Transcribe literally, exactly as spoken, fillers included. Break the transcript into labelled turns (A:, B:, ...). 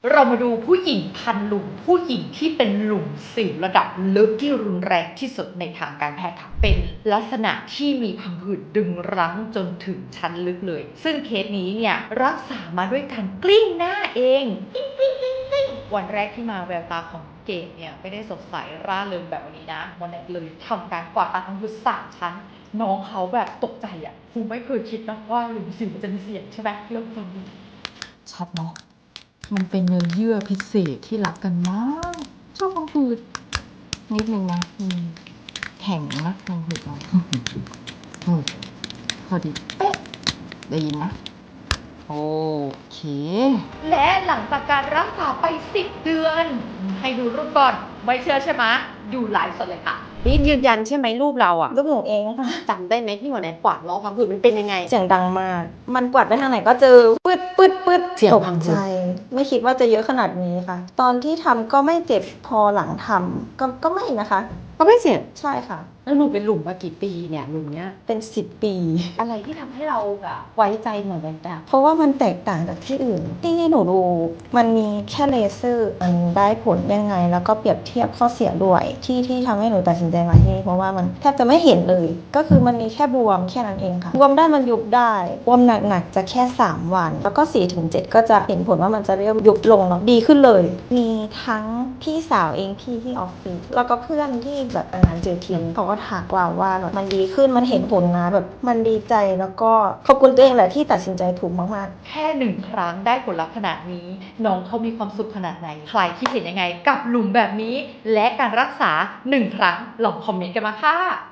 A: เรามาดูผู้หญิงพันหลุมผู้หญิงที่เป็นหลุมสิวระดับลึกที่รุนแรงที่สุดในทางการแพทย์ค่ะเป็นลักษณะที่มีพังผืดดึงรั้งจนถึงชั้นลึกเลยซึ่งเคสนี้เนี่ยรักษามาด้วยการกลิ้งหน้าเองวันแรกที่มาแววตาของเกดเนี่ยไม่ได้สดใสร่าเริงแบบวันนี้นะวันแรกเลยทำการกวาดตาทั้งหมดสามชั้นน้องเขาแบบตกใจอ่ะคงไม่เคยคิดนะว่าหลุมสิวมันจะมีเสียงใช่ไหมเรื่องฟัง
B: ชัดเนาะมันเป็นเนื้อเยื่อพิเศษที่รักกันมากชอบพังผืดนิดนึงนะอืมแข็งนะพังผืดเราอืมพอดีเป๊ะได้ยินนะโอเค
A: และหลังจากการรักษาไปสิบเดือนให้ดูรูปก่อนไม่เชื่อใช่ไหมดูไลฟ์สดเลยค่ะ
C: นี่ยืนยันใช่ไหมรูปเราอะ
D: รูปหนูเองค่ะ
C: จำได้ไหมที่หัวไหนกวาดล้อพังผืดมันเป็นยังไง
D: เสียงดังมาก มันกวาดไปทางไหนก็เจอปืดปืดปืด
C: เสียง
D: ตก
C: พังผื
D: ใจ
C: ด
D: ไม่คิดว่าจะเยอะขนาดนี้ค่ะ ตอนที่ทำก็ไม่เจ็บพอหลังทำก็ก็ไม่นะคะ
C: ก็ไม่เสีย
D: ใช่ค่ะ
C: แล้วหนูเป็นหลุมมากี่ปีเนี่ยหลุมเนี้ย
D: เป็นสิบปี
C: อะไรที่ทำให้เราแบบไว้ใจหน่อยแบบ
D: เพราะว่ามันแตกต่างจากที่อื่น ที่หนูดูมันมีแค่เลเซอร์มันได้ผลยังไง แล้วก็เปรียบเทียบข้อเสียด้วย ที่ที่ทำให้หนูตัดสินใจมาที่นี่เพราะว่ามันแทบจะไม่เห็นเลย ก็คือมันมีแค่บวมแค่นั้นเองค่ะบวมได้มันยุบได้บวมหนักๆจะแค่สามวัน แล้วก็ สี่ถึงเจ็ด ก็จะเห็นผลว่ามันจะเริ่มยุบลงแล้วดีขึ้นเลย มีทั้งพี่สาวเองพี่ที่ออฟฟิศแล้วก็เพื่อนที่แบบงานเจอทีมเขาก็ถามว่าว่ามันดีขึ้นมันเห็นผลนะแบบมันดีใจแล้วก็ขอบคุณตัวเองแหละที่ตัดสินใจถูกมากๆ
A: แค่หนึ่งครั้งได้ผลลัพธ์ขนาดนี้น้องเขามีความสุขขนาดไหนใครที่เห็นยังไงกับหลุมแบบนี้และการรักษาหนึ่งครั้งลองคอมเมนต์กันมาค่ะ